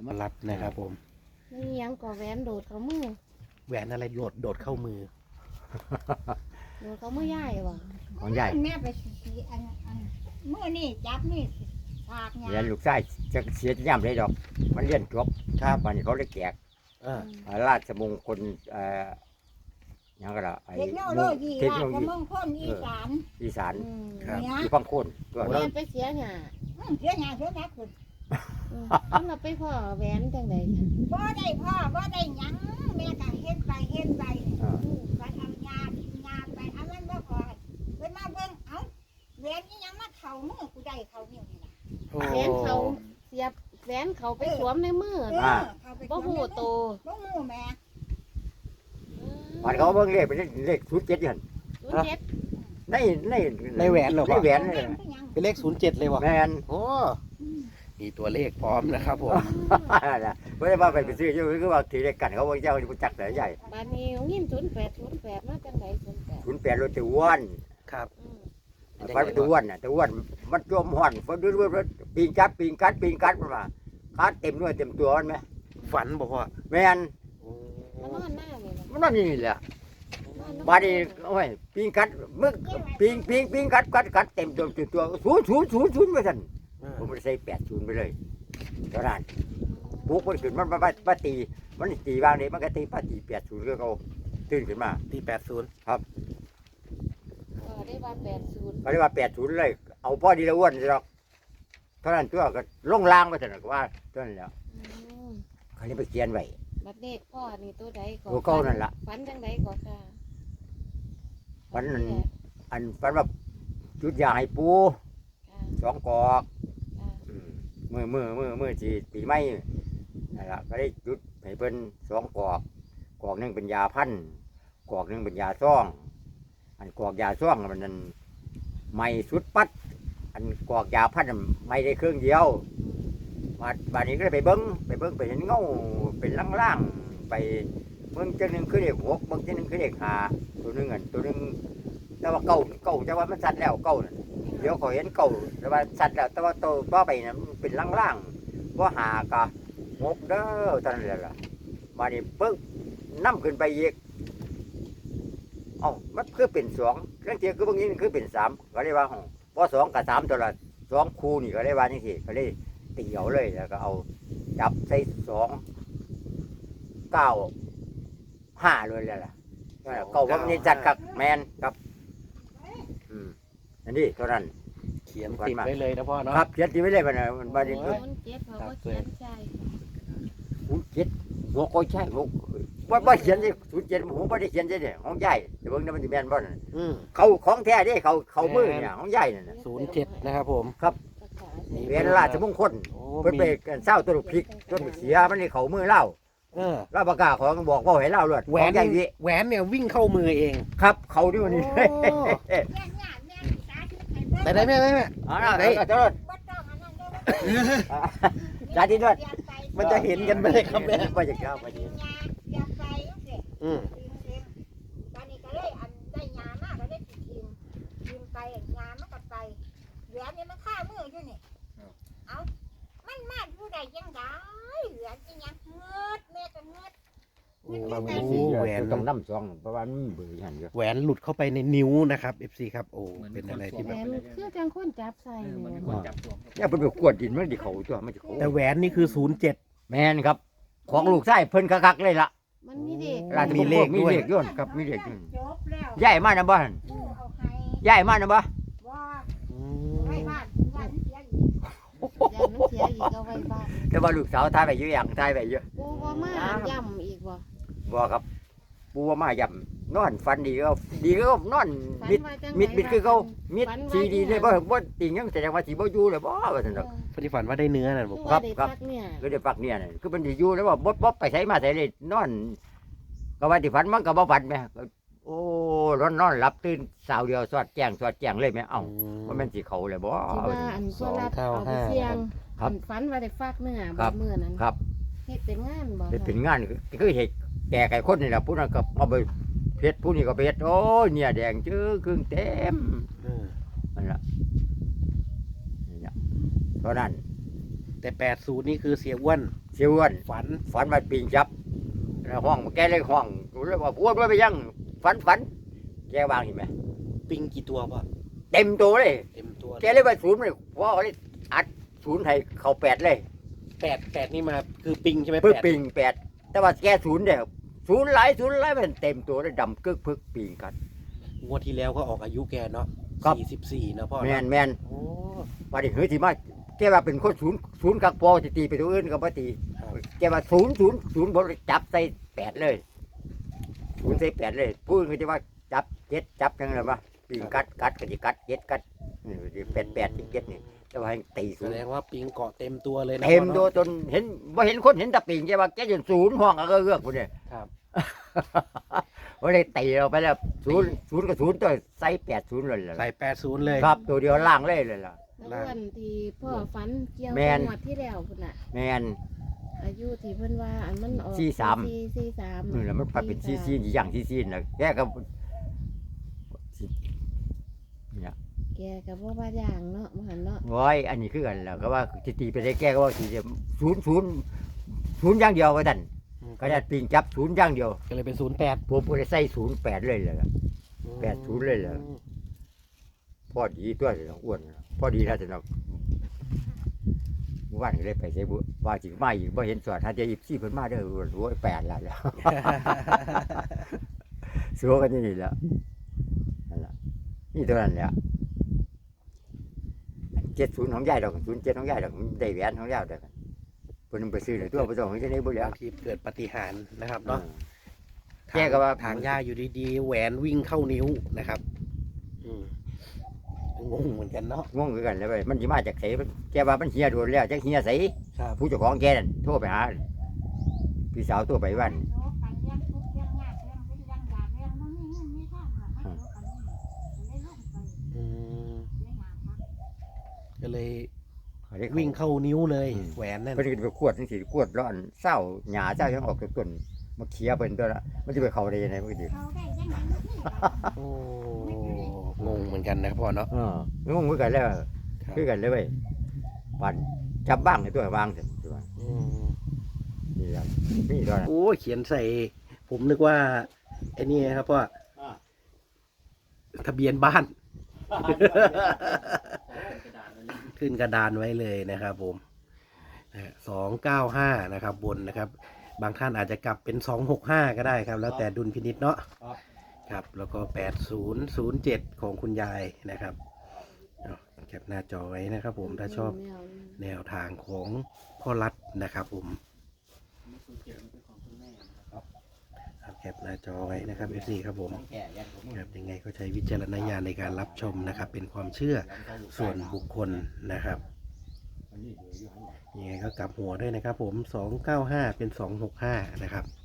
มารัดนะครับผมนี่ยังก่อแหวนโดดเขามือแหวนอะไรโดดเข้ามือโดดเขามือย่ายว่ะของใหญ่แม่ไปสีอันเมื่อนี่จับนี่ฉากงาเรียนนลูกชายจะเสียย่ำเลยดอก มันเรียนจบครับวันนี้เขาได้แจกอ่าราชมงคลหยังก็ละไอ้เทคโนโลยีเทคราโนโลชยีมงคลอีสานอีสานครับเนี่ยอยู่พังโคนตัวเรียนไปเสียหยาเสียงานเสียงานคุณต้องเราไปพ่อแหวนจังใดกันบ่ได้พ่อบ่ได้หยังแม่ก็เฮ็ดไปเนี่ยอ่าไปเอายากินยาไปเอามันบ่พอไปมาเบิ่งเอ้าแหวนนี่ยังมาเข้ามือกูได้เข้านิ้วนี่ล่ะโอ้แหวนเขาเสียบแหวนเขาไปสวมในมือเข้าไปบ่หูโตบ่หูแม่วันเขาเบิ่งเลขเป็นเลข07ยัน 07 ในแหวนเหรอในแหวนเลยเป็นเลข07เลยวะแมนโอ้มีตัวเลขพร้อมนะครับผมไม่ได้ว่าไปซื้ออยู่คือว่าถือเลขกันเขาบอกเจ้าผู้จักแต่ใหญ่บานนี้ยิน08มาจังใด08 08รถตะอ้วนครับฟันตะอ้วนน่ะตะอ้วนมันจมห่อนฟันด้วยปีนกัดมันมาคัดเต็มด้วยเต็มตัวมันไหมฝันบอกว่าแมนโอ้มานอนหน้านี่ล่ะมันนั่นนี่แหละบาดนี้โอ้ยปีนกัดมึกปีนกัดเต็มตัวศูนย์ไปสั่นผมไม่ได้ใส่80ไปเลยเท่านั้นปุ๊กมันขึ้นมันมาตีมันตีบางนี้มันก็ตี80ก็เขาตื่นขึ้นมาตี80 ก็ได้ว่า80 เขาเรียกว่า80เลยเอาพ่อดีละอ้วนหรอกเท่านั้นตัวก็ลงล่างไปสั่นก็ว่าเท่านั้นแล้วเขาเลยไปเขียนไว้บัดเด็กพ่อนี่ตัวใดก่อตัวเก่านั่นล่ะฝันจังใดก่อค่ะฝันนั่น อันฝันว่าจุดยาให้ปูค่ะ 2 กอกค่ะมือที่ปีใหม่นั่นล่ะก็ได้จุดให้เพิ่น2 กอกหนึงเป็นยาพันกอกหนึงเป็นยาซ่อง อันกอกยาซ่องมันนั่นไม่สุดปัด อันกอกยาพันไม่ได้เครื่องเดียวบาดนี้ก็เลยไปเบิ้งไปเห็นเงาเป็นล่างๆไปเบิ้งจังหนึงคือเลข6เบิ้งจังหนึงคือเลข5ตัวหนึงแต่ว่าเก่าแต่ว่ามันสัตว์แล้วเก่านั่นเดี๋ยวเขาเห็นเก่าแต่ว่าสัตว์แล้วแต่ว่าโตต่อไปนั้นมันเป็นล่างๆว่า5กับ6เด้อตอนนั้นแหละบาดนี้ปึ๊บนํขึ้นไปอีกเอ้ามันคือเป็น2เรื่องเทียคือเบางนี้คือเป็น3ก็เลยว่าพอ2กับ3ตัวละ2คู่นี่ก็เลยว่าจังซี่ก็เลยตีเอาเลยแล้วก็เอาจับใส่2 9 5เลยแหละเก่าว่ามันจัดครับแมนครับอันนี้เท่านั้นเขียนติดไว้เลยนะพ่อเนาะครับเขียนที่ไม่ได้มันมันบาดีโอ้ยเจ็บเขาก็เขียนใจ 07หัวก็ใช่หัวว่าเขียนที่07หัวไม่ได้เขียนใช่เนี่ยของใหญ่เดี๋ยวเบิ่งนี่มันจะแมนบ่นั่นอืมเขาของแท้เด้เขามือเนี่ยของใหญ่นั่นน่ะ 07นะครับผมเรียนราชมงคลโอ้เพิ่นมีไปกันเศร้าตัวลูกพริกต้นเสียมันนี่เขามือเล่าเออเล่าประกาศของบอกว่าให้เล่าเลยแหวนใหญ่วิแหวนเนี่ยวิ่งเข้ามือเองครับเขาดิวันนี้แม่สาธุให้เบิ่งแต่ได้ไหมอ๋อไหนตลอดบ่ต้องอันนั้นเด้อสาธิตด้วยมันจะเห็นกันไหมครับแม่ไปจากเจ้าไปดีอยากไปจังซี่อืมตอนนี้ก็เลยอันได้ยามากก็ได้ทีมไปยามมันก็ไปเหลือนี่มันฆ่ามืออยู่นี่เอามันมาผู้ใดยังได้เหลือจริงยังเงืดแม่ก็เงืดโอ้แหแหววน นต้องน้ำซองเพราะว่ามันเบื่อหันเยอะแหวนหลุดเข้าไปในนิ้วนะครับ FC ครับโอ้เป็นอะไรที่แหแบวบนคือจังคนจับใส่เหมือนเนี่ยคนจับตัวเนี่ยเป็นแบบกวดดินมันดิเขาตัวมันจะเขาแต่แหวนนี่คือ07 แมนครับ ของลูกไส้เพิ่นคักๆเลยล่ะมันมีเด็กราชมีมงเลคขลมีด้วยเลขย้อนครับมีเลขย้อนจบแล้วย้ายมานะบ้านผู้เอาให้ย้ายมานะบ้านว่าอืไว้มบ้านยันเสียอีกยานมันเสียอีกเอาไว้บ้านแต่ว่าลูกสาวทายไปเยอะอย่างทายไปเยอะปูว่ามาย่ำอีกบ่บ่ครับปูว่ามาย่ำนอนฟันดีก็นอนฝันมิดว่าจังมิดคือเขามิดฝันว่าสีดีเลยจังบ่ติงยังแสดงว่าสิบ่อยู่เลยบ่ว่าซั่นดอกพอดีฝันว่าได้เนื้อน่ะคืบออกว่าว่าได้ครับพักเนี่ยก็ได้ปักเนี่ยน่ะคือมันสิอยู่แล้วว่าบ่ไปไสมาไสเลยนอนก็ว่าสิฝันมันก็บ่ฝันแหมก็โอ้นอนหลับตื่นสาวเดียวสอดแจ้งเลยแหมเอ้าว่ามันสิเขาเลยบ่ที่ว่าอันตัวรับเอาไปเสี่ยงครับอันฝันว่าได้ฟักเนื้อครับมื้อนั้นครับเฮ็ดเป็นงานบ่ได้เป็นงานคือเฮ็ดแก่ไก่คนนี่ล่ะผู้นั้นก็เอาไปเพชรผู้นี้ก็เพชรโอ้ยเนี่ยแดงจื้อครึ่งเต็มเออนั่นล่ะนี่ล่ะเพราะนั้นแต่80นี่คือเสียอ้วนเสียอ้วนฝันฝันมาปิงจับแล้วห้องแกเลยห้องหนูเลยว่าอ้วนว่าไปยังฝันแกวางเห็นไหมปิงกี่ตัวพ่อเต็มตัวเลยเต็มตัวแกเลยว่าศูนย์เลยว่าเขาเลยอัดศูนย์ให้เขา8เลยแปดนี่มาคือปิงใช่ไหมปึ๊บแปดปิง8แต่ว่าแกศูนย์เดียวศูนย์หลายมันเต็มตัวเลยดำกึกพึกปิงกันงวดที่แล้วก็ออกอายุแกเนาะครับ 44นะพ่อแมเนาะนแมนโอ้ว่าดิเฮ้ยที่มาแกว่าเป็นคนศูนย์กักปอจะตีไปตัวอื่นก็บ่ตีครับแกว่าศูนย์บนจับใส่8เลยศูนย์ใส่8เลยพูดคือจะว่าจับ7จับยังไงวะปิงกัดก็จะกัด7กัดนี่8ที่7นี่แต่ว่าให้ตีศูแสนย์ดงว่าปิงเกาะเต็มตัวเลยนะเต็มพ่อตัวเนาะจนเห็นว่าเห็นคนเห็นแตะปิงแกว่าแกจนศูนย์ห้องก็เอื้อกคนเนี่ยครับว่าได้ตีเราไปแล้วศูนย์กับศูนย์ตัวใส่80เลยล่ะใส่80เลยครับตัวเดียวล่างเลยล่ะแล้วอ้วนที่พ่อฝันเกี่ยวแม่กับนงวดที่แล้วพุ่นน่ะแมนอายุที่เพิ่นว่าอันมันออก 43 43 นี่แหละมันไปเป็นซีอย่างซีนะแกก็เนี่ยแกก็บ่ว่าอย่างเนาะบ่หันเนาะโอ้ยอันนี้คือกันแล้วก็ว่าสิตีไปได้แกก็ว่าสิศูนย์อย่างเดียวว่าดันก็ได้ปิงจับศูนย์อย่างเดียวก็เลยเป็น08 ผมก็ได้ใส่08เลยล่ะ 80เลยเหรอ พอดีตัวสิอ้วนพอดีถ้าจะนอกว่านก็เลยไปใช้บุว่าจิมาอีกบ่เห็นสอดถ้าจะ24เพิ่นมาเด้อโอ้ย8แล้วแล้ว สัวกันอย่างนี่แหล้วนั่นล่ะนี่ตัวนั้นแหละ70ของยายดอก07ของยายดอกได้แหวนของยายดอกเพิ่นไปซื้อเลยตัวบ่ต้องให้ได้บ่แล้วบางทีเกิดปาฏิหาริย์นะครับเนาะแกก็ว่าทางย่าอยู่ดีๆแหวนวิ่งเข้านิ้วนะครับงงเหมือนกันเนาะงงคือกันเลยเว้ยมันสิมาจากไสแกว่ามันเหียโดนแล้วจักเหียไสครับผู้เจ้าของแกนั่นโทรไปหาพี่สาวโทรไปบ้านอืมก็เลยวิ่งเข้านิ้วเลยแหวนนั่นเพิ่นก็ไปขวดจังซี่ขวดร้อนเศร้าหญ้าเศร้ายังออกจากต้นมาเคียเพิ่นตัวละมันสิไปเข้าได้ยังไงมันก็สิโอ้งงเหมือนกันนะพ่อเนาะงงคือกันแล้วครับคือกันเลยเว้ยปั่นจับบ้างในตัววางเสร็จตัวอืมนี่แหละนี่ตัวนั้นโอ้ยเขียนใส่ ผมนึกว่าไอ้นี่ครับพ่อทะเบียนบ้าน ขึ้นกระดานไว้เลยนะครับผม295นะครับบนนะครับ บางท่านอาจจะกลับเป็น265ก็ได้ครับ แล้วแต่ดุลพินิจเนาะครับแล้วก็8007ของคุณยายนะครับเอาแคปหน้าจอไว้นะครับผมถ้าชอบแนวทางของพ่อรัฐนะครับผมครับแคปหน้าจอไว้นะครับ FC ครับผมครับยังไงก็ใช้วิจารณญาณในการรับชมนะครับ เป็นความเชื่อส่วนบุคคลนะครับยังไงก็กลับหัวด้วยนะครับผม295เป็น265นะครับ